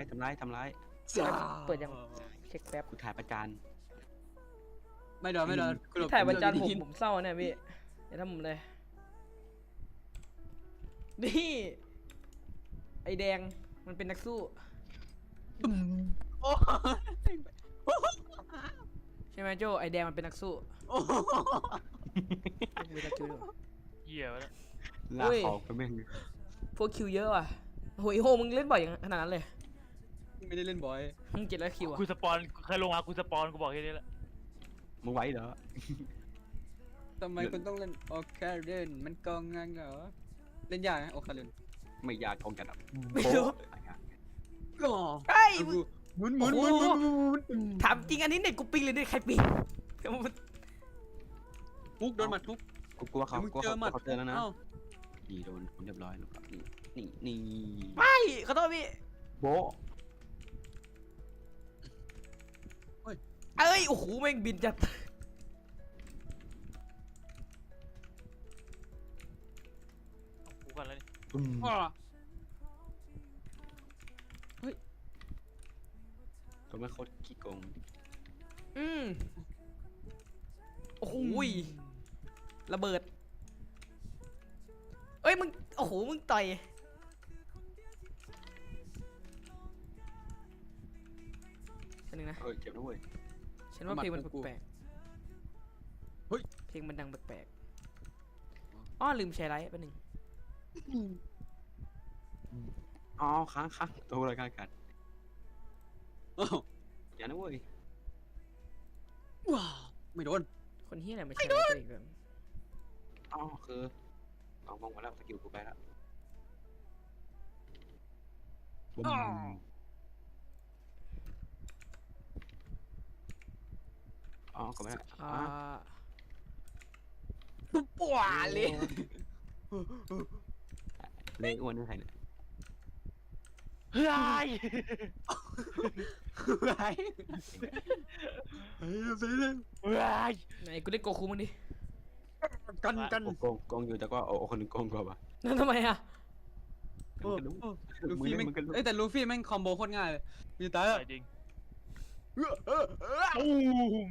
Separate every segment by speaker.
Speaker 1: ร้าย
Speaker 2: เปิดยังเช็คแป๊บ
Speaker 1: กูถ่ายประจาน
Speaker 3: ไม่โดน
Speaker 2: ถ่ายประจานผมเศร้าเนี่ยพี่อย่าทำผมเลยนี่ไอแดงมันเป็นนักสู้
Speaker 3: โอ้
Speaker 2: ใช่ไหมโจไอแดงมันเป็นนักสู้มีตะคิวด้วย
Speaker 4: เหี้ยวะ
Speaker 1: ลากออกไปแม่ง
Speaker 2: พวกคิวเยอะว่ะโหยโหมึงเล่นบ่อยอย่างขนาดนั้นเลย
Speaker 3: ไม่ได้เล่นบ่อย
Speaker 2: มึง700คิวอ่ะ
Speaker 4: กูสปอนเคยลงมากูสปอนกูบอกแค่นี้แหละ
Speaker 1: มึงไหวเหรอ
Speaker 3: ทำไมคุณต้องเล่นโอเคเล่นมันกองงันเหรอเล่นยากนะโอเคเล่น
Speaker 1: ไม่อยากกองจัดอ่ะ
Speaker 2: ไม่รู้
Speaker 3: ก็
Speaker 2: ไอ้ย
Speaker 3: หมุน
Speaker 2: ถามจริงอันนี้เน็ตกูปิงเลยเน็ตใครปิง
Speaker 3: มุกโดนหมัดทุก
Speaker 1: กูกลัวเขา
Speaker 3: มึง
Speaker 1: กลัว
Speaker 3: เจอหมัด
Speaker 1: เขาเจอแล้วนะ
Speaker 3: เอ้า
Speaker 1: นี่โดนเรียบร้อยแล้วครับนี่
Speaker 2: ไม่ขอโทษพี่
Speaker 1: โบ
Speaker 2: เอ้ยโอ้โหแม่งบินจัด
Speaker 4: กูกันแล้วนี่
Speaker 3: อ้อ
Speaker 1: ตัวไม่โคตรขี้โกง
Speaker 2: โอ้โหระเบิดเอ้ยมึงโอ้โหมึงต่อยอันนึงนะ
Speaker 1: เจ็บนะเว้ย
Speaker 2: ฉันว่าเพลงมันแปลกๆเพลงมันดังแปลกๆอ้อลืมแชร์ไลท์แป๊บนึง
Speaker 1: อ๋อค้างตัวอะไรกันกัด
Speaker 3: อ้าว
Speaker 1: อย่านะเว้ย
Speaker 3: ว้าวไม่โดน
Speaker 2: คนเฮียอะไรมาแชร์ไลท์ตัวเองแบบ
Speaker 1: อ๋อคือเอามองมาแล้วสกิลกูไปแล้วบุ้มอ๋อก็ไม่ได้
Speaker 3: ปุ๊บปัวเลย
Speaker 1: เละอ้วนนี่ใครเนี่ย
Speaker 4: เฮ้ย
Speaker 3: ไรเฮ้ยไปเลย
Speaker 4: เฮ้ย
Speaker 2: ไหนกูเล่นโกคูมึงดิ
Speaker 3: กัน
Speaker 1: โกงอยู่แต่ก็เอาคนหนึ่งโกงกว่าป่ะ
Speaker 2: นั่นทำไมอ่ะ
Speaker 3: ลูฟี่แม่งเอ้ยแต่ลูฟี่แม่งคอมโบโคตรง่ายเลยมีตายแล้ว
Speaker 4: จริงตูม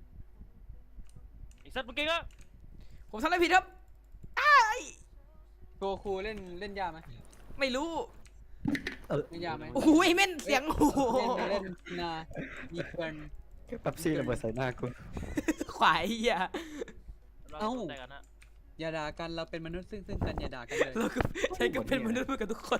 Speaker 4: ไอ้สัตว์เมื่อกี้ก็
Speaker 2: ผมทำอะไรผิดครับ
Speaker 3: โกคูเล่นยากไหม
Speaker 2: ไม่รู้
Speaker 3: เล่นยากไหม
Speaker 2: โอ้โหไอ้เม่นเสียงโอ้โห
Speaker 3: เล่นนามีเกิน
Speaker 5: แป๊บซี่ระเบิดใส่หน้ากู
Speaker 2: ขวายเหี้ย
Speaker 4: เราแต่กันนะ
Speaker 3: อย่าด่ากันเราเป็นมนุษย์ซึ่งกันอย่าด่ากันเลย
Speaker 2: เราก็ใช้ก็เป็นมนุษย์เหมือนกันทุกคน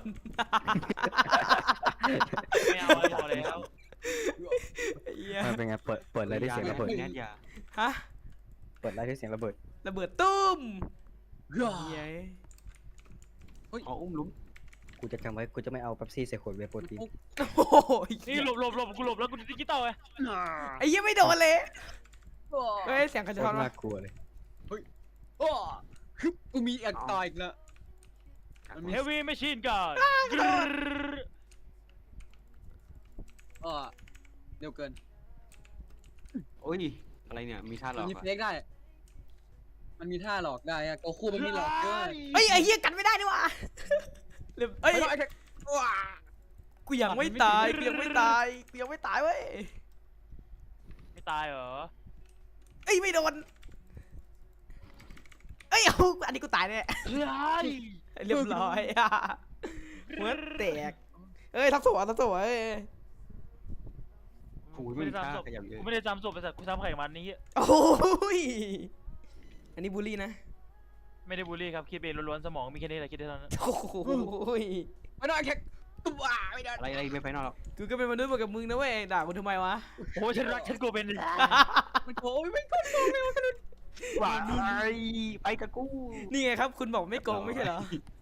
Speaker 4: ไม่เอาไม่เอาแล้ว
Speaker 2: เหี้ย
Speaker 5: มันเป็นไงเปิดอะไรได้เสียงระเบิด
Speaker 1: แนทยา
Speaker 2: ฮะ
Speaker 5: เปิดอะไรได้เสียงระเบิด
Speaker 2: ระเบิดตุ้ม
Speaker 3: เฮ้ย
Speaker 2: เหี้ย
Speaker 1: อ๋ออุ้มลุ้ม
Speaker 5: กูจะจำไว้กูจะไม่เอาแป๊บซี่ใส่ขวดเวย์โปรตีน
Speaker 2: โอ้โห
Speaker 4: นี่หลบกูหลบแล้วกูดิจิตอลไง
Speaker 2: ไอ้เหี้ยไม่โดนเลยเฮ้ยเสียงใคร
Speaker 5: โค
Speaker 2: จะ
Speaker 5: ต
Speaker 2: ทอน
Speaker 5: ร
Speaker 2: วะ
Speaker 5: น่ากลัวเลย
Speaker 3: โอ้ฮึบกูมีต่ออีกแล้ว
Speaker 4: เฮฟวี่แมชชีนกัน
Speaker 3: อ๋อเร็วเกิน
Speaker 1: โอ้ยอะไรเนี่ยมีท่าหล
Speaker 3: มั
Speaker 1: อน ก
Speaker 3: มี
Speaker 1: อ่ะ
Speaker 3: เฟกได้ มันมีท่าหลอกได้อะโกคูมันมีหลอกด้วย
Speaker 2: เฮ้ยไอ้เหี้ยกันไม่ได้นี่วะเฮ้ย
Speaker 3: ไม่ต้องไอ้แค่ว้า
Speaker 2: กูยังไม่ตายกูยังไม่ตายกูยังไม่ตายเว้ย
Speaker 4: ไม่ตายเหรอ
Speaker 2: เอ้ยไม่โดนเอ้ยเอาอันนี้กูตายแน่
Speaker 4: เฮ้ย
Speaker 2: เรียบร้อยอ่ะหัวแตกเอ้ยทับศพเอ้ย
Speaker 1: โอ้ยไม่มีท่าขยับเยอะ
Speaker 4: กูไม่ได้จำศพไปสัตว์กูจำไข่มันนี่
Speaker 2: โอ้ยอันนี้บูลลี่นะ
Speaker 4: ไม่ได้บูลลี่ครับคิดเองล้วนๆสมองมีแค่นี้แหละคิดได้เท่านั้น
Speaker 2: โอ้ย
Speaker 3: ไม่ต้องไอ้แค่ว้าไม่ได้
Speaker 1: อะไรไม่ไปนอกหรอก
Speaker 2: กูก็เป็นมนุษย์เหมือนกับมึงนะเว้ยด่ากูทำไมวะ
Speaker 4: โอ้ฉันรักฉันกูเป็น
Speaker 3: มันโอ้ยไม่โกงเลยมัน
Speaker 1: ว้ายไปกับกู
Speaker 2: นี่ไงครับคุณบอกไม่โกงไม่ใช่เหรอ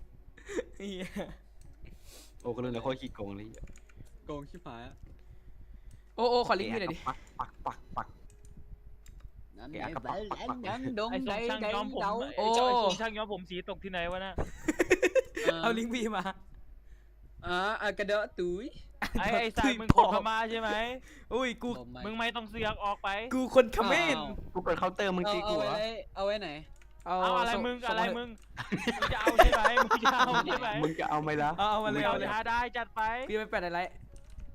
Speaker 1: โอ้ก็เลยโคตรขี้โกงเลย
Speaker 3: โกงชิบหาย
Speaker 2: โอ้ขอลิงก์พี่หน่อยดิ
Speaker 1: ปัก
Speaker 3: นั่นไงนั่นดง
Speaker 4: ไอ้ท
Speaker 3: ใด
Speaker 4: รงช่าง
Speaker 3: ใด
Speaker 4: ย้อมผม
Speaker 3: เดา
Speaker 4: ไอ้ทรงช่างย้อมผมสีตกที่ไหนวะน่ะ
Speaker 2: เอาลิงก์พี่มา
Speaker 3: กระเดาะตุ้ย
Speaker 4: ไอ้สายมึงโคตรมาใช่ไหม
Speaker 2: อุ้ยกู
Speaker 4: มึงไม่ต้องเสือกออกไป
Speaker 2: กูคนเขมร
Speaker 1: กูเปิดเคาน์เตอร์มึงตีกูเหรอ
Speaker 3: เอาไว้ไหน
Speaker 4: เอาอะไรมึงอะไรมึงจะเอาใช่ไหมมึงจะเอาใช่ไหม
Speaker 1: มึงจะเอาไหมล่ะ
Speaker 2: เอามาเลย
Speaker 4: เอา
Speaker 2: เอาเลย
Speaker 4: ได้จัดไป
Speaker 2: พี่ไปแปะอะไร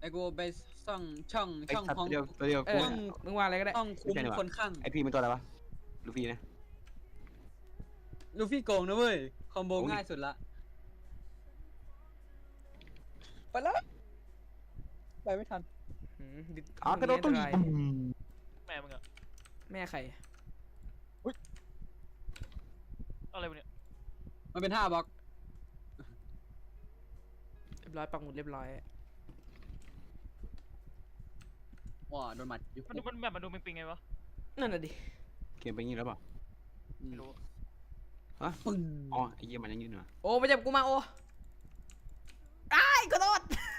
Speaker 3: ไอ้กูไปซ่องช่อง
Speaker 1: ไอ้
Speaker 3: ช่อง
Speaker 1: สัตว์
Speaker 3: ของ
Speaker 1: ตัวเดียวตัวเดียว
Speaker 2: เอ
Speaker 1: กู
Speaker 2: อมึงว่าอะไรก็ได้
Speaker 3: ช่องคุมคนข้าง
Speaker 1: ไอพีเป็นตัวอะไรวะลูฟี่นะ
Speaker 3: ลูฟี่โกงนะเว้ยคอมโบ
Speaker 1: โอ้ย
Speaker 3: ง่ายสุดละไปแล้วไปไม่ทัน
Speaker 2: หืมดิ
Speaker 1: กระโดดตุ้ง
Speaker 2: อันตราย
Speaker 4: แม่มึงอะ
Speaker 2: แม่ใคร
Speaker 4: อะไรวะเนี่ย
Speaker 3: มันเป็นท่าบล็อก
Speaker 2: เรียบร้อยปักหมุดเรียบร้อย
Speaker 3: ว้าโดนหมัดอยู่
Speaker 4: มันดูมันแบบมันดูปิงๆไงวะ
Speaker 2: นั่นน่ะดิ
Speaker 1: เกมเป็นอย่างนี้แล้วเปล่า
Speaker 4: ไม่รู้
Speaker 3: ปึ้ง
Speaker 1: อ๋อไอ้เหี้ยมันยังยืนเหรอ
Speaker 2: โอ้มาจับกูมาโอ้ไอ้ายขอโทษ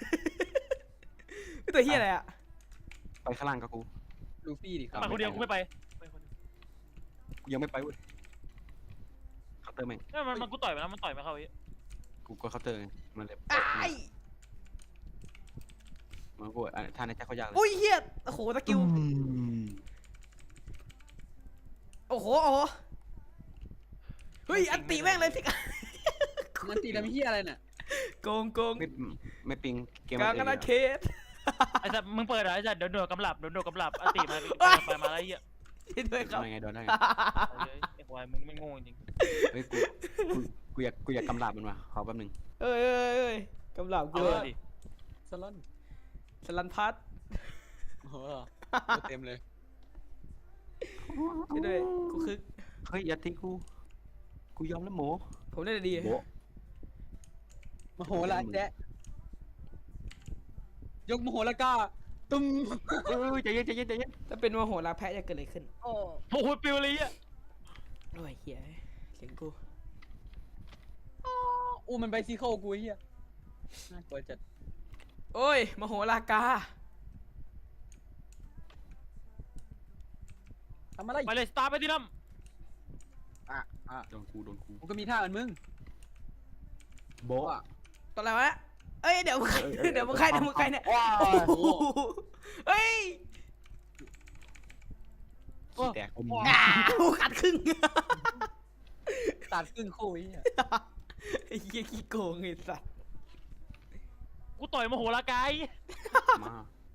Speaker 2: ตัวเฮียอะไรอ่ะ
Speaker 1: ไปข้างล่างกับกู
Speaker 3: ลูฟี่ดิครับ
Speaker 4: ไปคนเดียวกูไม่ไปไปคนเดียว
Speaker 1: กูยังไม่ไปเว้ยเคาน์เตอร์แม่ง
Speaker 4: เนี่ยมันกูต่อยไปแล้วมันต่อยไม่เข้าไอ้
Speaker 1: กูกดเคาน์เตอร์ไงมันเลย
Speaker 2: ไอ้าย
Speaker 1: มันกูท่านในแจ็คเขายากเลย
Speaker 2: อุ้ยเฮียโอ้โหสกิลโอ้โหโอ้โหเฮ้ยอันตีแม่งเลยสิ
Speaker 3: มันตีทำเฮียอะไรเนี่ย
Speaker 2: โกงโกง
Speaker 1: ไม่ปิงเกม
Speaker 2: กลาง
Speaker 1: มัน
Speaker 2: อนาเขต
Speaker 4: ไอ้สัตว์มึงเปิดเหรอไอ้สัตว์โดนกำลับโดนกำลับอติมาไปมาแล้วไอ้เหี้ย
Speaker 2: ช่วยด้วยครับ
Speaker 1: ทำไงโดนได้ไง
Speaker 4: เอาเลยไอ้ควายมึงไม่โง่จริง
Speaker 1: เฮ้ยกูอยากกำลาบมันว่ะขอแป๊บนึง
Speaker 2: เอ้ยเอ้ยเอ้ยกำลับ
Speaker 4: เอา
Speaker 2: กู
Speaker 4: เลยดิ
Speaker 3: สลอน
Speaker 2: สลันพัด
Speaker 3: โอ้โหเต็มเลย
Speaker 2: ช่วยด้วยกูคึก
Speaker 1: เฮ้ยอย่าทิ้งกูยอมแล้วหมู
Speaker 2: ผมได้ดี
Speaker 1: โบะ
Speaker 3: มโหฬารแจ๊ะยกมโหฬารก้าตุ้ม
Speaker 1: เฮ้ยใจเย็นใจเย็นใจเย็น
Speaker 2: ถ้าเป็นมโหฬารแพะจะเกิดอะไรขึ้น
Speaker 3: โอ้
Speaker 4: โอ้โหปิวเลยอ่ะ
Speaker 2: โอ้ยเฮียเสียงกู
Speaker 3: อู้มันไปซีโคกูเฮียน่ากลัวจัด
Speaker 2: โอ้ยมโหฬารกา
Speaker 3: ทำอะไร
Speaker 4: ไปเลยสตาร์ไปที่น้
Speaker 3: อ่ะ
Speaker 1: โดนกู
Speaker 3: กูก็มีท่าเหมือนมึง
Speaker 1: โบะ
Speaker 3: อ่ะ
Speaker 2: ตอนอะไรวะเอ้ยเดี๋ยวเดี๋ยวมึงใครเนี่ย
Speaker 1: ว้า
Speaker 2: โอ้โหเฮ้ย
Speaker 1: แตกอม
Speaker 2: อ้าวขาดครึ่ง
Speaker 3: ตัดครึ่งคู่เฮีย
Speaker 2: ไอ้เหี้ยขี้โกงไอ้สัส
Speaker 4: ำกูต่อยมโหฬารกาย
Speaker 1: มา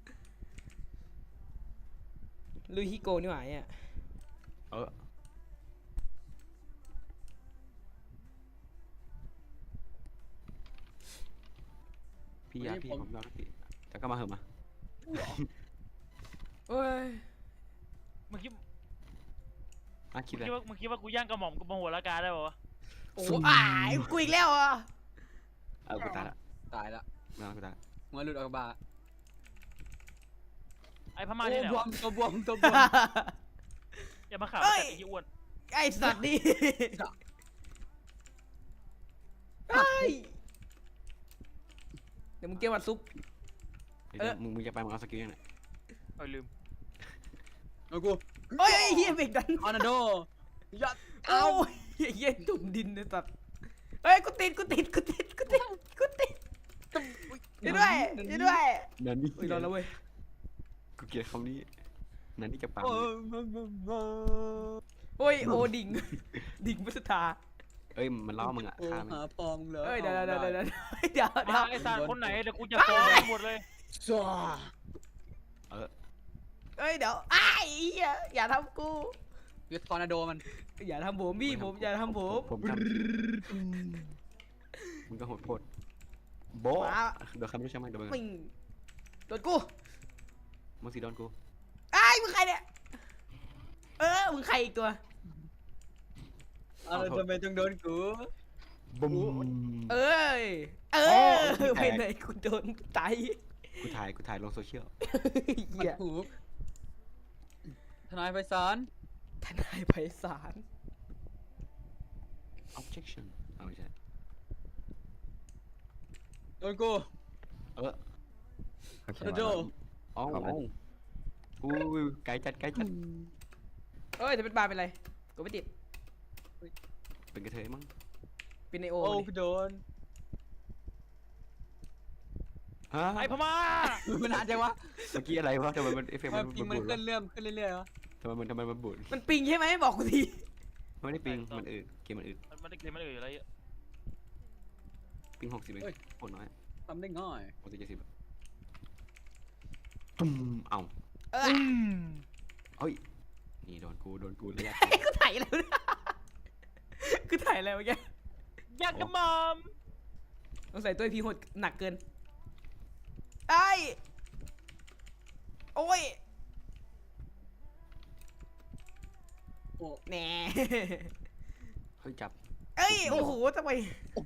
Speaker 2: ลุยขี้โกงนี่หว่าเนี่ย
Speaker 1: พี่ยาพี่ผมยอมแล้วพี่แต่ก็มาเหอะมา
Speaker 2: โอ้ย
Speaker 4: มึงคิด
Speaker 1: คิดเลย
Speaker 4: มึงคิดว่ากูย่างกระหม่อมกับมโหฬารกายได้ป่าวะ
Speaker 2: โอ้อ้ายกูอีกแล้วอ่ะ
Speaker 1: กูตายละ
Speaker 3: ตายละ
Speaker 1: ไม่เอากูตายละ
Speaker 3: หัวหลุดออกบา
Speaker 4: ไอ้พม่าที่ไหน
Speaker 3: บว
Speaker 4: วะ
Speaker 3: มตัวบวมตัวบวม
Speaker 4: อย่ามาข่าวไอ้ที่อ้วน
Speaker 2: ไอ้สัตว์นี่ไอ้เดี๋ยวมึงเกี่ยววัดซุป
Speaker 1: มึงจะไปมึงเอาสกิลยังไง
Speaker 4: เออลืม
Speaker 3: เอากู
Speaker 2: โอ้ยไอ้เหี้ยเบรกดัน
Speaker 3: ออนาโดยัด
Speaker 2: เอ้าเหี้ยจุ่มดินไอ้สัตว์เฮ้ยกูติดช่วยด้วย
Speaker 1: นั่นนี่
Speaker 2: อุ้ยรอดแล้วเว้ย
Speaker 1: กูเกลียดคำนี้นั่นนี่จะปัง
Speaker 3: โอ้
Speaker 2: โอ้ยโอดิ่งดิ่งพุทธา
Speaker 1: เอ้ยมันล้อมึงอ่ะ
Speaker 3: โอ้
Speaker 1: ฆ่ามึง
Speaker 3: หาปองเหรอ
Speaker 2: เอ้ยเดี๋ยว
Speaker 4: ไอ้สัตว์คนไหนเดี๋ยวกูจะฟ้องหมดเลย
Speaker 3: จ้า
Speaker 2: เอ้ยเดี๋ยวไอ้เหี้ยอย่าทำกู
Speaker 3: เวททอร์นาโดมัน
Speaker 2: อย่าทำผมพี่ผมอย่าทำผม
Speaker 1: ผมทำมึงก็โหดโพดโบะเดี๋ยวคำรู้ใช่ไหมเดี๋ยวมึง
Speaker 2: มึงโดนกู
Speaker 1: มึงสีโดนกู
Speaker 2: ไอ้มึงใครเนี่ยมึงใครอีกตัว
Speaker 3: อะไรทำไมต้องโดนกู
Speaker 1: บุ้ม
Speaker 2: เไปไหนกูโดนไต
Speaker 1: กูถ่ายลงโซเชียล
Speaker 2: เหี้ย
Speaker 3: หูทนายไพศาล
Speaker 2: ทนายไพศาล
Speaker 1: objection เอาไม่ใช่
Speaker 3: โดนกู
Speaker 1: เออ
Speaker 5: โอเค
Speaker 3: ทอร์นาโด
Speaker 1: อ๋ออู้ไกลจัด
Speaker 2: จะเป็นบาเป็นไรกูไม่ติด
Speaker 1: เป็นกระเทยมั้ง
Speaker 2: เป็นไอโอ
Speaker 3: โอ้
Speaker 2: เลย
Speaker 3: กูโดน
Speaker 1: ฮะ
Speaker 4: ไอ้พม่า
Speaker 3: มันนานจังวะ
Speaker 1: เมื่อกี้อะไรวะทำไมมันเอฟเฟกต์
Speaker 3: มั
Speaker 1: มัน น
Speaker 3: ปิง
Speaker 1: บุ
Speaker 3: มัน
Speaker 1: ญ
Speaker 3: ขึ้นเรื่อยขึ้นเรื่อยๆวะ
Speaker 1: ทำไมมันบุญ
Speaker 2: มันปิงใช่ไหมบอกกูที
Speaker 1: ไม่ได้ปิงมันอืดเกมมันอืด
Speaker 4: มันมันอะไรอ่ะ
Speaker 1: ปิง60เองโคตรน้อย
Speaker 3: ทำได้ง่าย
Speaker 1: 60 70 ตุ้มเอ้า
Speaker 2: เออ
Speaker 1: เฮ้ยนี่โดนกูระยะ
Speaker 2: กูถ่ายแล้วนะกูถ่ายอะไรวะแก
Speaker 4: อยากกระหมอม
Speaker 2: ต้องใส่ตัวพีโหดหนักเกินไอ้โอ้ย
Speaker 3: โอ้
Speaker 2: แหน่
Speaker 1: เฮ้ยจับ
Speaker 2: เอ้ยโอ้โหทำไม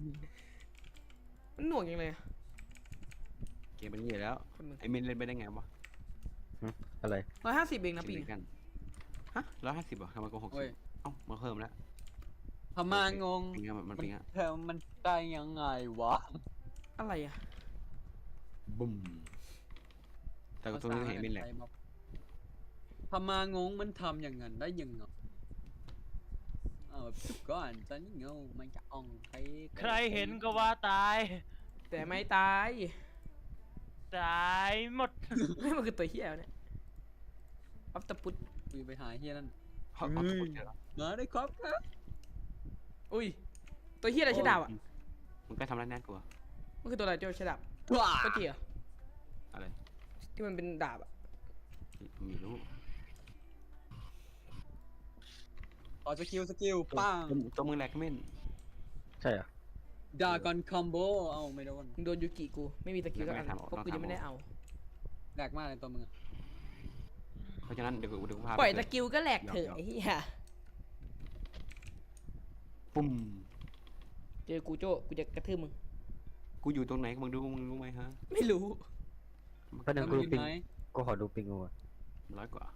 Speaker 2: มันหน่วงยังเลย
Speaker 1: เกมมันเหี้ยแล้ว
Speaker 2: คนมึง
Speaker 1: ไอ้เมนเล่นไปได้ไงวะ
Speaker 5: อะไร
Speaker 2: 150เองนะปี
Speaker 1: เล่นกันฮะ150เหรอทำไมกู
Speaker 3: โอ้ย
Speaker 1: 60เอ้ามันเพิ่มแล้ว
Speaker 3: พม่างง
Speaker 1: ปิงอะมันปิงอะ
Speaker 3: เธอมันได้ยังไงวะ
Speaker 2: อะไรอะ
Speaker 1: บุ้มแต่กูตัวนี้เห็นเมนแหละ
Speaker 3: พม่างงมันทำอย่างนั้นได้ยังไงแบบสุดก่อนตอนนี้เงามันจะอ่องไป
Speaker 4: ใครเห็นก็ว่าตาย
Speaker 2: แต่ไม่ตาย
Speaker 4: ตายหมด
Speaker 2: ไม่มันคือตัวเหี้ยเนี่ยอัปตะปุต
Speaker 3: คุยไปหาเฮียนั่น
Speaker 1: เอาเอาตัวเจอแล้ว
Speaker 3: มาได้ครับครับ
Speaker 2: อุ้ยตัวเหี้ยอะไรใช้ดาบอะ
Speaker 1: มันก็ทำร้ายแน่กลัว
Speaker 2: มันคือตัวอะไรเจ้าใช้ดาบ
Speaker 3: ว้า
Speaker 2: ตัวเจี๋ย
Speaker 1: อะไร
Speaker 2: ที่มันเป็นดาบอะ
Speaker 1: มีรู้
Speaker 3: ต่อสกิลปัง
Speaker 1: ตัวมึงแหลกเม่น
Speaker 5: ใช่เหรอ
Speaker 3: ดากอนคอมโบเอาไม่โดน
Speaker 2: มึงโดนยูกิกูไม่มีสกิลสักอันเพราะกูยังไม่ได้เอา
Speaker 3: แหลกมากเลยตัวมึง
Speaker 1: เพราะฉะนั้นเดี๋ยวกูพา
Speaker 2: ปล่อยสกิลก็แหลกเถอะไอ้เหี้ย
Speaker 1: ปุ้ม
Speaker 2: เจอกูโจ้กูจะกระทืบมึง
Speaker 1: กูอยู่ตรงไหนมึงรู้ไหมฮะ
Speaker 2: ไม่รู้
Speaker 5: ก็นึ
Speaker 3: แล้
Speaker 5: ง
Speaker 3: ว
Speaker 5: กู
Speaker 3: มึง
Speaker 5: ดู
Speaker 3: อยู่
Speaker 5: ปิง
Speaker 3: ไหน
Speaker 5: กูขอดูปิงกูอะ
Speaker 1: 100 กว่า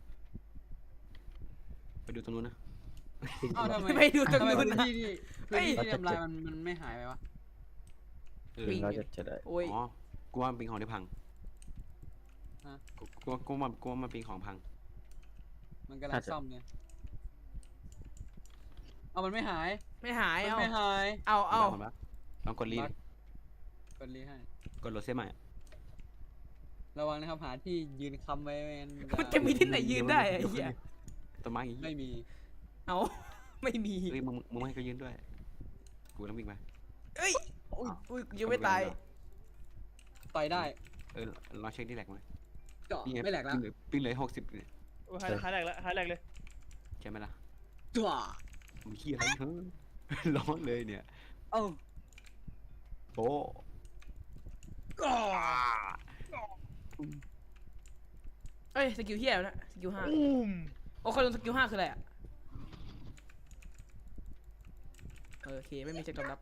Speaker 1: ไปดูตรงนู้นนะ
Speaker 5: ปิง
Speaker 3: อ้าวทำไม
Speaker 2: ไม่ดูตรง
Speaker 3: ทำไม
Speaker 2: นู้น
Speaker 3: พื้น
Speaker 2: นะ
Speaker 3: ที่ที่
Speaker 2: เฮ้
Speaker 3: พื้น
Speaker 2: ย
Speaker 3: ที่ที่ทำลายมันไม่หายไปวะ
Speaker 1: เออ
Speaker 2: ปิง
Speaker 5: เราจะได้
Speaker 2: โอ้ย
Speaker 1: อ๋อกูว่ามันปิงของได้พัง
Speaker 3: ฮะ
Speaker 1: กูว่ามันปิงของพัง
Speaker 3: มันกำลังซ่อมเนี่ยเอามันไม่หาย
Speaker 2: ไม่หาย
Speaker 3: มัน
Speaker 2: เอา
Speaker 3: ไม่หาย
Speaker 2: เอา
Speaker 1: ลองกดรีด
Speaker 3: กดรีให้
Speaker 1: กดโหลดเซฟใหม่
Speaker 3: ระวังนะครับหาที่ยืนคำไว้
Speaker 2: มันจะมีที่ไหนยืนได้ไอ้เหี้ย
Speaker 1: ต้นไม้อย่างงี้
Speaker 3: ไม่มี
Speaker 2: เอา ไม่มี
Speaker 1: เฮ้ยมึงไม่ให้เขายืนด้วย กูต้องวิ่งไป
Speaker 2: เอ้ยอุ้ยกูยังไม่ตาย
Speaker 3: ต่อยได้
Speaker 1: เออลองเช็คที่แหลกไหม
Speaker 3: เจาะไม่แหลกแล้ว
Speaker 1: ปิ้งเลย60เนี่ย
Speaker 4: หายแหลกแล้วหายแหลกเลย
Speaker 1: ใช่ไหมล่ะ
Speaker 3: จ้ว
Speaker 1: มึงขี้อะไรเฮ้ย ร้อนเลยเนี่ย
Speaker 3: เอ้า
Speaker 1: โอ้
Speaker 2: เอ้ยสกิลเหี้ยแล้วนะสกิล5
Speaker 4: อุ้ม
Speaker 2: โอ้คนลงสกิล5คืออะไรอะโอเคไม่มีเช็คตอบรับ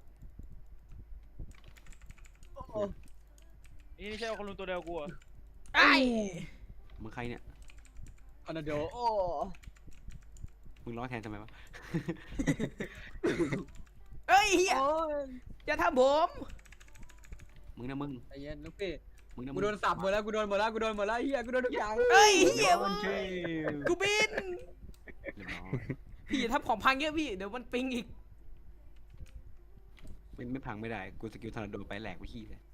Speaker 4: นี่ใช่คนลุงตัวเดียวกูอ่ะ
Speaker 2: ไอ้
Speaker 1: มึงใครเนี่ย
Speaker 3: คอนโดโอ้
Speaker 1: มึงร้องแทนทำไมวะ
Speaker 2: เอ้ยเหี้ย
Speaker 3: โอ้ย
Speaker 2: อย่าทำผม
Speaker 1: มึงนะมึง
Speaker 3: ใจเย็นลูกพี่
Speaker 1: มึงนะ
Speaker 3: กูโดนสับหมดแล้วกูโดนหมดแล้วเฮียกูโดนทุกอย่าง
Speaker 2: เอ้ยเหี้ย
Speaker 1: มันเชล
Speaker 2: กูบิน
Speaker 1: เรียบร้อย
Speaker 2: พี่อย่าทำของพังเยอะพี่เดี๋ยวมันปิงอีก
Speaker 1: ไม่พังไม่ได้ กูสกิลทอร์นาโดไปแหลกไปขี้เลย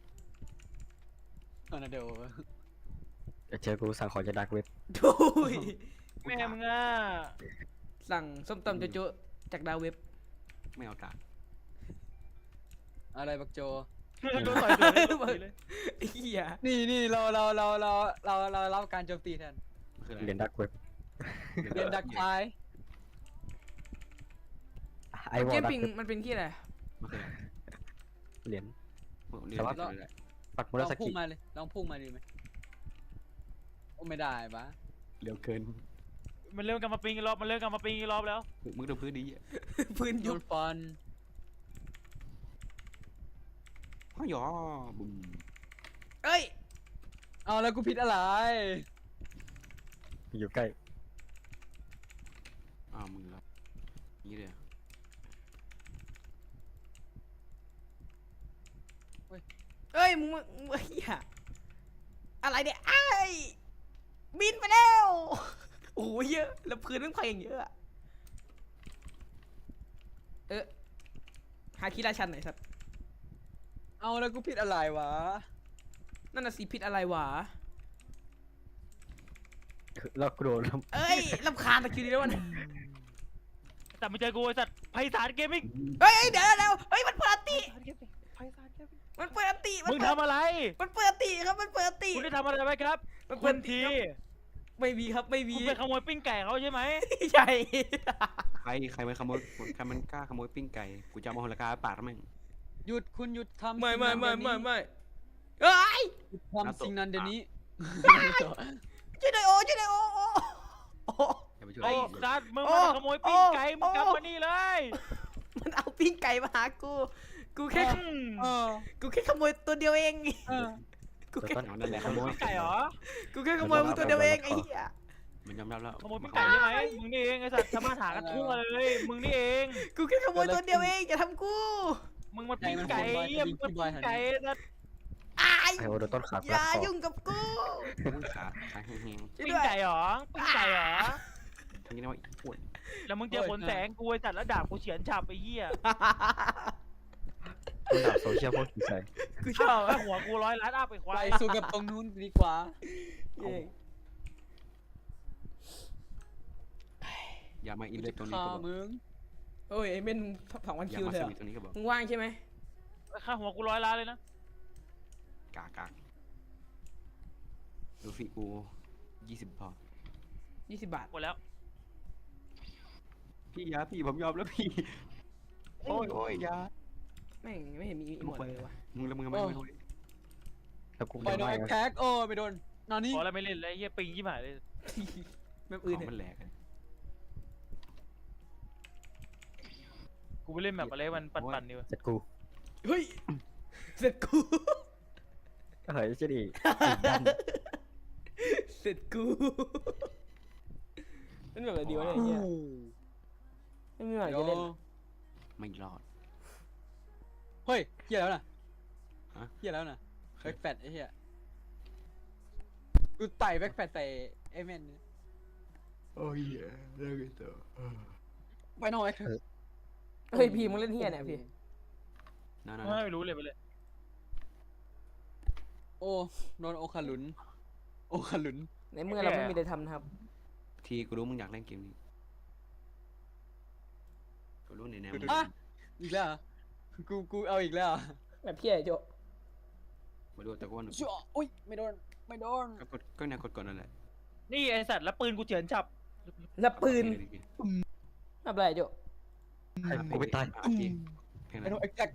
Speaker 3: คอนโด
Speaker 5: เดี๋ยวเจอกูสั่งของจะดักเว็บ
Speaker 2: ทุย
Speaker 4: แม่มึงอ่ะ
Speaker 2: สั่งส้มตำโจ๊ะๆจากดาวเว็บ
Speaker 1: ไม่เอากาก
Speaker 3: อะไรบักโจ
Speaker 4: โดนต่อยเลย
Speaker 2: ไอ้เหี้ย
Speaker 3: นี่เรารับการโจมตีแทน
Speaker 1: มันคืออะไร
Speaker 5: เรียนดักเว็บ
Speaker 3: เรียนดักไฟ
Speaker 5: ไอวอ
Speaker 2: เก
Speaker 5: ล
Speaker 2: ม
Speaker 5: ดัก
Speaker 2: ปิง
Speaker 5: เว็บ
Speaker 2: มันเป็นที่อะไร
Speaker 1: มันคืออะไร
Speaker 5: เหรียญ
Speaker 1: เรียน
Speaker 5: แต่ว่า
Speaker 1: ได้เลย
Speaker 5: ปักมุ
Speaker 3: ล
Speaker 5: รา
Speaker 3: อง
Speaker 5: ส
Speaker 3: พุ่
Speaker 5: กิ
Speaker 3: งมาเลยลองพุ่งมาดีไหมโอ้ไม่ได้ปะ
Speaker 1: เร็วเกิน
Speaker 4: มันเริ่มกลับมาปิงอีกรอบมันเริ่มกลับมาปิงอีกรอบแล้ว
Speaker 1: มึงดูพื้นดีอ่ะ
Speaker 2: พื้น
Speaker 3: โด
Speaker 2: ยุบ
Speaker 3: นฟัน
Speaker 1: อ้าวหยอบุ้ม
Speaker 2: เอ้ย
Speaker 3: เอาแล้วกูผิดอะไร
Speaker 5: อยู่ใกล้
Speaker 1: อ้าวมึงแล้วนี่เลยอะ
Speaker 2: เอ้ยมึงเหี้ยอะไรเนี่ยไอ้ายบินไปแล้วโอ้ยเยอะแล้วพื้นมันพังอย่างเยอะอะหาคีราชันหน่อยสัตว์
Speaker 3: เอาแล้วกูผิดอะไรวะ
Speaker 2: นั่นน่ะสิผิดอะไรวะ
Speaker 5: แล้วกูโดน
Speaker 2: เอ้ยรำคาญตะคิวนี้แล้วมัน
Speaker 4: แต่ไม่เจอกูไอ้สัตว์ไพศาลเกมมิ่ง
Speaker 2: เฮ้ยเดี๋ยวเฮ้ยมันเปิดอันติ
Speaker 4: ไพศาลเกมมิ่ง
Speaker 2: มันเปิดอันติ
Speaker 4: มึงทำอะไร
Speaker 2: มันเปิดอันติครับมันเปิดอันติ
Speaker 4: คุณได้ทำอะไรไว้ครับ
Speaker 2: มัน
Speaker 4: คุ
Speaker 2: เปิด
Speaker 4: ณที
Speaker 2: ไม่มีครับไม่มี
Speaker 4: คุณไปขโมยปิ้งไก่เขาใช่ไหม
Speaker 2: ใช่
Speaker 1: ใครมันขโมยใครมันกล้าขโมยปิ้งไก่กูจะเอามาหัวละกาปาดมึง
Speaker 3: หยุดคุณหยุดทำ
Speaker 2: ไม่
Speaker 3: สิ่ง
Speaker 2: ไม่
Speaker 3: นั้น
Speaker 2: ไม่
Speaker 3: เดี๋ยว
Speaker 2: ไม่
Speaker 3: นี้
Speaker 2: ไม่เอ้ย
Speaker 3: หยุดทำสิ่งนั้นเดี๋ยวนี้
Speaker 2: ช่วยหน่อยโอ้ช่วยหน่อยโอ้
Speaker 1: อย่าไปช่วย
Speaker 4: ไอ้
Speaker 1: มัน
Speaker 4: ซัดมึง
Speaker 2: โอ้
Speaker 4: มาขโมยปิ้งไก่
Speaker 2: โอ้
Speaker 4: มึงกลับมานี่เลย
Speaker 2: มันเอาปิ้งไก่มาหากูแค่
Speaker 4: อืม
Speaker 3: เออ
Speaker 2: กูแค่ขโมยตัวเดียวเอง
Speaker 3: เออ
Speaker 2: กู
Speaker 5: ตัว
Speaker 2: แค่
Speaker 5: ต้น
Speaker 1: เอานั่นแหละขโมย
Speaker 4: ปิ้งไก่เหรอ
Speaker 2: กูแค่ขโมยมึงตัวเดียวเองไอ้เหี้ย
Speaker 1: มันยอมรับแล้ว
Speaker 4: ขโมยปิ้งไก่ใช่ไหมมึงนี่เองไอ้สัตว์ทำมาหากันทั่วเลยมึงนี่เอง
Speaker 2: กูแค่ขโมยตัวเดียวเองอย่าทำกู
Speaker 4: มึงมาปิ้งไก่เหี้ยมึงมาปิ้งไก่นะ
Speaker 2: อ้าย
Speaker 5: ไอโอโดนต้นขา
Speaker 2: อ
Speaker 5: ด
Speaker 2: ย่า
Speaker 5: คอ
Speaker 2: ยุ่งกับกู
Speaker 1: ขาแห้ง
Speaker 2: ช่วย
Speaker 4: ปิ้ง
Speaker 2: ด้วย
Speaker 4: ไก่เหรอปิ้งไก่เหรอ
Speaker 1: ๆทั้งนี้นะว่าอีอ้วน
Speaker 4: แล้วมึงเจอผลแสงกูไอ้สัตว์แล้วด่ากูเฉียนฉับไอ้เหี้ย
Speaker 5: คุณดาบโซเชียลพวกผีใส่
Speaker 2: กูชอบ
Speaker 4: ถ้าหัวกู100 ล้านอัพไปควา
Speaker 3: ไป
Speaker 4: ย
Speaker 3: สู่กับตรงนู้นดีกว่า
Speaker 2: เย้
Speaker 1: อย่ามาอินเลยตรงนี้
Speaker 3: ฆ่า
Speaker 1: ก็บอก
Speaker 3: มึง
Speaker 2: โอ้ยไอ้เม่น2,000
Speaker 1: อย่า
Speaker 2: คิว
Speaker 1: มา
Speaker 2: เถ
Speaker 1: ส
Speaker 2: อะ
Speaker 1: วีทตรงนี้ก็บอก
Speaker 2: มึงว่างใช่ไหม
Speaker 4: ค่าหัวกู100 ล้านเลยนะ
Speaker 1: กากดูฟีกู20พอ
Speaker 2: 20 บาท
Speaker 4: หมดแล้ว
Speaker 1: พี่ยาพี่ผมยอมแล้วพี่โอ้ยยา
Speaker 2: แม่งไม่เห็นมีอีโมดเลยวะ
Speaker 1: มึงแล้วมึงไม่รู้
Speaker 5: แล้วกู
Speaker 3: ไป
Speaker 5: ไม่
Speaker 3: โดน
Speaker 5: ได้
Speaker 3: แอคแท็กโอ้ไปโดนนอนนี่
Speaker 4: พอแล้วไม่เล่นแล้วไอ้เหี้ยปิงยี่หายเลย
Speaker 2: แบบ
Speaker 1: ข
Speaker 2: อื่น
Speaker 1: อง
Speaker 2: เถ
Speaker 1: มัน
Speaker 2: อะ
Speaker 1: แหลก
Speaker 4: กูไปเล่นแบบอะไรมันปั่นๆดีวะ
Speaker 5: เสร็จกู
Speaker 2: เฮ้ยเสร็จกู
Speaker 5: เฮ้ยเจะดี
Speaker 2: เสร็จกูเป็นแบบอะไรดีวะเนี่ยไอ้เหี้ยไม่มีอะไร
Speaker 3: เดี๋ย
Speaker 2: จะ
Speaker 3: ว
Speaker 2: เล่น
Speaker 1: ไม่รอด
Speaker 3: เฮ้ยเฮียแล้วน่ะ
Speaker 1: ฮะ
Speaker 3: เฮียแล้วน่ะแบ็คแฟตไอ้เฮียกูไต่แบ็คแฟตใส่ไอ้แมนเนี่ย
Speaker 1: โอ้ยเลิกกันเถอะ
Speaker 3: ไปนอนแอคแท็ก
Speaker 2: เฮ้ยพี่มึงเล่นเหี้ยเนี่ยพี่
Speaker 1: นั่น
Speaker 4: ไม่รู้เลยไปเลย
Speaker 3: โอ้โดนโอคาลุนโอคาลุน
Speaker 2: ในเมื่อเราไม่มีอะไรทำนะครับ
Speaker 1: ทีกูรู้มึงอยากเล่นเกมนี้กูรู้ในแนว
Speaker 3: อ่ะอีกแล้วเหรอกูเอาอีกแล้วเหรอ
Speaker 2: แบบพี่ไอ้โจ
Speaker 1: มาดูแต่กูว่า
Speaker 3: ชั่วอุ้ยไม่โดนไม่โดน
Speaker 1: ก็แนวกดนั่นแหละ
Speaker 4: นี่ไอ้สัตว์แล้วปืนกูเฉียนฉับ
Speaker 2: แล้วปืนทำอะไรโจ
Speaker 5: ให้กูไปตาย
Speaker 1: เพลงไห
Speaker 3: ไป
Speaker 1: น
Speaker 3: โดนแอคแท็ก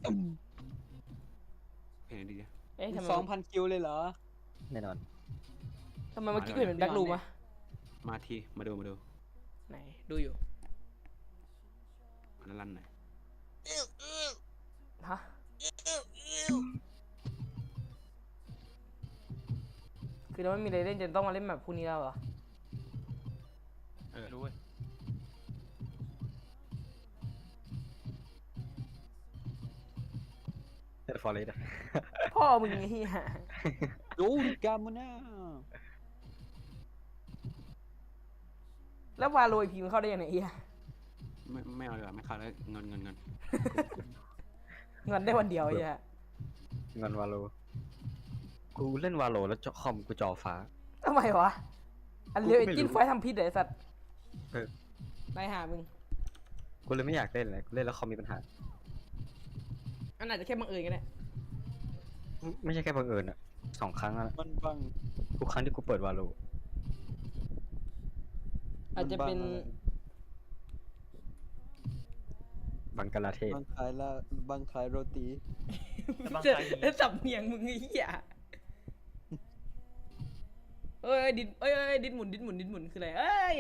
Speaker 1: เพลงไหนดีเนี่ย
Speaker 2: เอ๊ะทำไม
Speaker 3: 2,000 คิวเลยเหรอ
Speaker 5: แน่นอน
Speaker 2: เมื่อกี้กูเห็นเป็นแบ็ครูมวะ
Speaker 1: มาทีมาดู
Speaker 2: ไหนดูอยู่
Speaker 1: มันลั่นหน่อย
Speaker 2: ฮะคือเราไม่มีอะไรเล่นจนต้องมาเล่นแบบพวกนี้แล้วเหรอ
Speaker 4: รู้เว้ย
Speaker 5: เอ็ดฟอร์เรสต์
Speaker 2: พ่อมึงไอ้เหี้ย
Speaker 3: ดูกามูน่า
Speaker 2: แล้ววาโรยพีมันเข้าได้ยังไงเหี้ย
Speaker 1: ไม่เอาเลยไม่เข้าแล้วเงิน
Speaker 2: เงินได้วันเดียวไอ้เหี้ย
Speaker 5: เงินวาโลกูเล่นวาโลแล้วคอมกูจอฟ้า
Speaker 2: ทำไมวะ อันเลี้ยว
Speaker 5: กู
Speaker 2: ไอ้
Speaker 5: ก็ไม่รู้
Speaker 2: จิ้นไฟทำพิษเหรอไอ้สัตว์
Speaker 5: เออ
Speaker 2: ไล่หามึง
Speaker 5: กูเลยไม่อยากเล่นเลยกูเล่นแล้วคอมมีปัญหา
Speaker 2: อันอาจจะแค่บังเอิญก็ได้
Speaker 5: ไม่ใช่แค่บังเอิญอะ2 ครั้งอะ
Speaker 3: มันบัง
Speaker 5: ทุกครั้งที่กูเปิดวาโล
Speaker 2: อาจจะเป็น
Speaker 5: บังกลาเทศ
Speaker 3: บังขายละบังขายโรตี
Speaker 4: แต่บาง
Speaker 2: จะ
Speaker 4: ครั้งอย่าง
Speaker 2: แล้
Speaker 4: งี้
Speaker 2: วสับเนียงมึงไอ้เหี้ยเอ้ยดินเอ้ยดินหมุนคืออะไรเอ้ย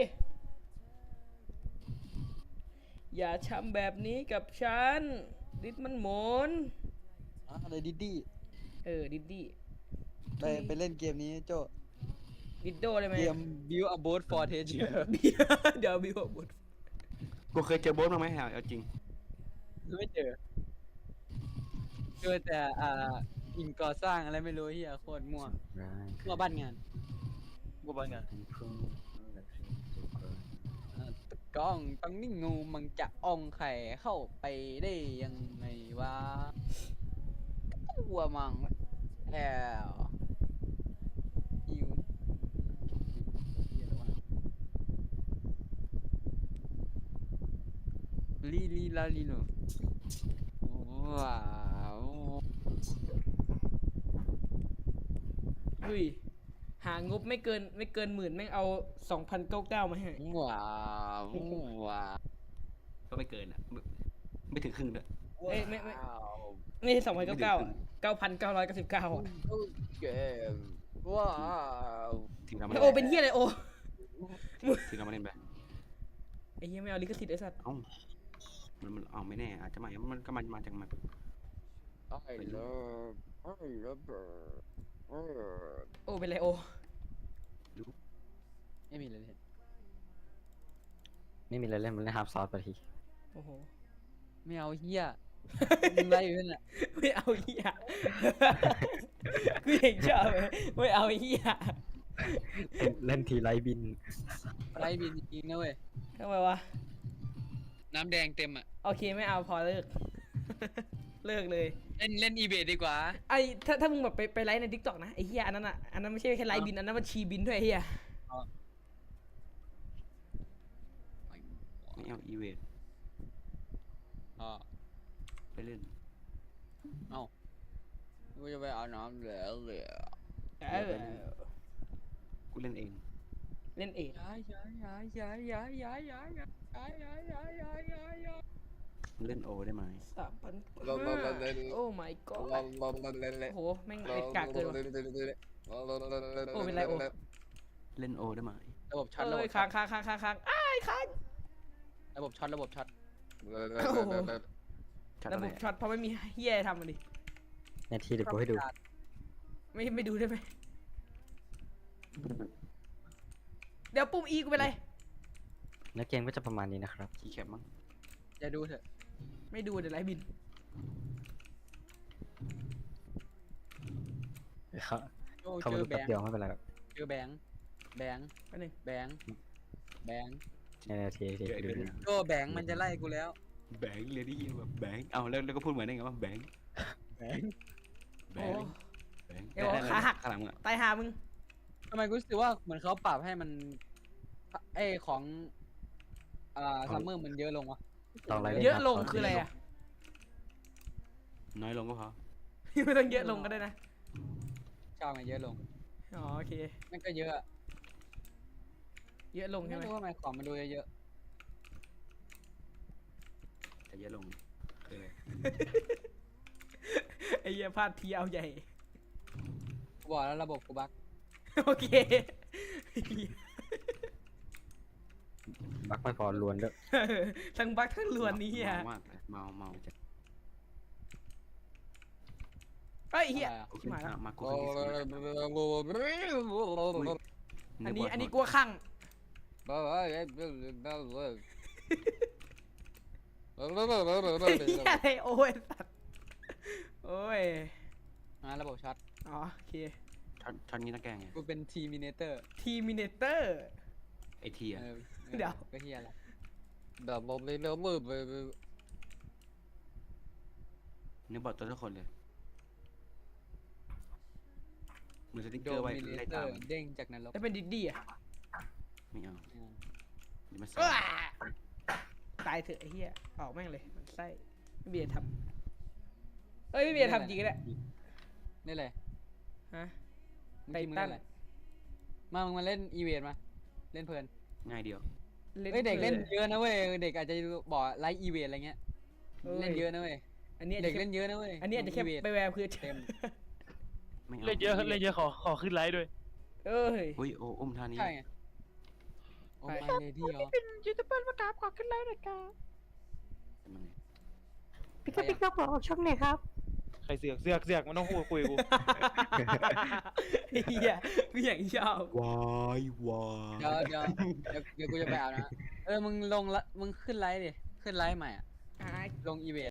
Speaker 2: อย่าทำแบบนี้กับฉันดินมันหมุน
Speaker 3: อะไรดิดดี้
Speaker 2: ดิดดี้
Speaker 3: ไปเล่นเกมนี้โจ
Speaker 2: ดิดโดได้ไหม
Speaker 3: เกม Build a Boat for Treasure
Speaker 2: เดี๋ยวบิวบุตร
Speaker 1: กูเคยเจอโบ๊ทมาไหมเอาจริง
Speaker 3: ไม่เจอแต่อิงก่อสร้างอะไรไม่รู้เฮียโคตรมั่วมั่วบ้านงาน
Speaker 4: กูบ้างไง
Speaker 3: ตะกล้องต้องนิ่งงูมันจะอ่องไข่เข้าไปได้ยังไงวะวัวมังแล้วอิวเหี้ยแล้ววะลีลาลีโนว้าว
Speaker 2: ดุยหางบไม่เกินหมื่นแม่งเอา2,099มาให้
Speaker 3: ว้าวว้าว
Speaker 1: ก็ไม่เกินอ่ะไม่ถึงครึ่งด้วย
Speaker 2: เอ้ยไม่
Speaker 3: ว้าว
Speaker 2: ไม่ใช่2,099อ่ะ9,999อ่ะ
Speaker 3: เกมว้าว
Speaker 1: ถึงเราไม่
Speaker 2: โอเป็นเฮียอะไรโอ
Speaker 1: ถึงเราไม่เล่นไป
Speaker 2: ไอ้เฮียไม่เอาลิขสิทธิ์ไอ้สัตว์
Speaker 1: เอ้ามันเอาไม่แน่อาจจะไม่มันก็มาจากมัน
Speaker 3: ไอ้เลิฟไอ้เลิฟเออ
Speaker 2: โอเป็นไรโอ
Speaker 3: ไม่มีเลยเห็น
Speaker 5: ไม่มีอะไรเล่นมันเล่นฮาร์ปซอสไปที
Speaker 2: โอ้โห
Speaker 3: ไม่เอาเฮียมึงไรอยู่นั่นแหละ
Speaker 2: ไม่เอาเฮียกูเห็นชอบเลยไม่เอาเฮีย
Speaker 5: เล่นทีไรบิน
Speaker 3: ไรบินจริงนะเว้ย
Speaker 2: ทำไมวะ
Speaker 3: น้ำแดงเต็มอ่ะ
Speaker 2: โอเคไม่เอาพอเลิก เลิกเลย
Speaker 3: เล่นอีเบดีกว่า
Speaker 2: ไอ้ถ้ามึงแบบไปไลฟ์ในทิกตอกนะไอ้เฮียอันนั้นอ่ะอันนั้นไม่ใช่แค่ไลฟ์บินอันนั้นมันชีบินด้วยไอ้เฮีย
Speaker 1: ไม่เอาอีเวน
Speaker 3: อ๋อ
Speaker 1: ไปเล่น
Speaker 3: กูจะไปเอาน้ำเหลือ
Speaker 1: กูเล่นเอง
Speaker 2: เล่นเอง
Speaker 1: เล่นโอได้ไหม
Speaker 2: 3,000โอ้ my god โอ้โหแม่งเอ็ดกากเกินว่ะโอ้เป็นไรโอ้
Speaker 1: เล่นโอได้ไหม
Speaker 3: ระบบช็อต
Speaker 2: เอ้ยค้างอ้ายค้าง
Speaker 3: ระบบช็อต
Speaker 2: ระบบ
Speaker 1: ชัด
Speaker 2: ช็อตเพราะไม่มีเฮียทำมันดิ
Speaker 5: ในทีเดี๋ยวกูให้ดู
Speaker 2: ไม่ดูได้ไหมเดี๋ยวปุ่ม E กูเป็นไร
Speaker 5: แล้วเกมก็จะประมาณนี้นะครับ
Speaker 1: คีย์แคปมั้ง
Speaker 3: อย่าดูเถอะ
Speaker 2: ไม่ดูเดี๋ยวไลฟ์บิน
Speaker 5: เขา
Speaker 3: โอ้
Speaker 5: เขา
Speaker 3: เจ
Speaker 5: มา
Speaker 3: อ
Speaker 5: ดู
Speaker 3: แบ
Speaker 5: แป๊บ
Speaker 3: งค์
Speaker 5: เดียวไม่เป็นไรหรอก
Speaker 3: เจอแบงค์
Speaker 2: แป๊บนึง
Speaker 3: แบงค์
Speaker 5: ในทีดูดู
Speaker 3: โอ้แบงค์มันจะไล่กูแล้ว
Speaker 1: แบงค์เลยได้ยินแบบแบงค์เอาแล้วก็พูดเหมือนได้ไงว่าแบงค์
Speaker 3: แบงค์
Speaker 1: แบ
Speaker 2: โอ้
Speaker 1: งค์แบงค์
Speaker 2: เอ้ยบอกว่าขาหัก
Speaker 1: ข้างหลังอ่ะ
Speaker 2: ตายหามึง
Speaker 3: ทำไมกูรู้สึกว่าเหมือนเขาปรับให้มันของซัมเมอร์มันเยอะลงวะ
Speaker 5: ลองไล่
Speaker 2: เยอะลงคืออะไรอ่ะ
Speaker 1: น้อยลงก็พอ
Speaker 2: ไม่ต้องเยอะลงก็ได้นะ
Speaker 3: ชอบไงเยอะลง
Speaker 2: อ๋อโอเค
Speaker 3: มันก็เยอะอะ
Speaker 2: เยอะลง
Speaker 3: ไม่
Speaker 2: ใช่ไหม
Speaker 3: รู้ว่าทำไมของมันดูเยอะ
Speaker 1: แต่เยอะลงคืออะไร
Speaker 2: ไอ้เหี้ยพลาดทีเอาใหญ่
Speaker 3: ๆกูบอกแล้วระบบกูบั๊ก
Speaker 2: โอเค
Speaker 5: บักไม่พอลวนด้วย
Speaker 2: ทั้งบักทั้งลวนนี้อ่ะ
Speaker 1: เมามากเลยเมาจัด
Speaker 2: เฮ้ยเฮีย
Speaker 1: โอเค
Speaker 2: ชิบหายแล้ว
Speaker 1: มากูขึ้นที่สุด
Speaker 2: อันนี้กลัวข้างเฮียอะไรโอ้ยสัตว์โอ้ย
Speaker 3: ระบบช็อต
Speaker 2: อ๋อโอเค
Speaker 1: ช็อตนี้ต้องแก้ไง
Speaker 3: กูเป็นทีมิเนเตอร์
Speaker 2: ทีมินเตอร์
Speaker 1: ไอทีอ่ะ
Speaker 2: เดี๋ยว
Speaker 3: ก็เฮียแหละ
Speaker 1: นึกบอกตัวทุกคนเลยมือสติ๊ก
Speaker 3: โด
Speaker 1: เกอร์ไว้
Speaker 3: มิเน
Speaker 1: ไล่
Speaker 3: เตอ
Speaker 1: ตาม
Speaker 3: ร์เด้งจากนรก
Speaker 2: แล้วเป็นดิดดี้อ่ะ
Speaker 1: ไม่เอาเดี๋ยวมา
Speaker 2: อ้า
Speaker 1: ใส่
Speaker 2: ตายเถอะไอ้เหี้ยออกแม่งเลยมันไส้ไม่เบียร์ทำเอ้ยไม่เบียร์ทำจริงก็ได้
Speaker 3: นี่เลย
Speaker 2: ฮะ
Speaker 3: มึงเล่นอะไรมึงมาเล่นอีเวนต์มาเล่นเพลิน
Speaker 1: ง่ายเดียว
Speaker 3: เฮ้ยเด็กเล่นเยอะนะเว้ยเด็กอาจจะบอกไลฟ์อีเวนต์อะไรเงี้ยเล่นเยอะนะเว้ย
Speaker 2: อันนี้อาจ
Speaker 3: เด็
Speaker 2: จะ
Speaker 3: ก
Speaker 2: แค่
Speaker 3: เล่นเยอะนะเว้ย
Speaker 2: อันนี้อาจจะแค่
Speaker 3: อีเวนต์
Speaker 2: ไปแวร์เพื่อ
Speaker 3: เต็ม
Speaker 1: ไม่เอา
Speaker 4: เล่นเยอะขอขึ้นไลฟ์ด้วย
Speaker 2: เอ้ย
Speaker 1: อุ้ยโอ้อุ้มท่านี้
Speaker 3: ใช่ไงโอ้
Speaker 2: ไป
Speaker 3: ไม่เลยที่เหรอ
Speaker 4: เป็นยูทูบเบอร์มากราบขอขึ้นไลฟ์หน่อยครับ
Speaker 1: มันไง
Speaker 3: พี่ก็พี่ก็
Speaker 4: ใครเสือกมันต้องพูดคุยกู
Speaker 2: ไอ้เหี้ยกูอย่างชอบ
Speaker 1: วายวาย
Speaker 3: เดี๋ยวกูจะไปเอานะมึงลงละมึงขึ้นไลฟ์ดิขึ้นไลฟ์ใหม่อ่ะ
Speaker 2: อ่า
Speaker 3: ลงอีเวนต์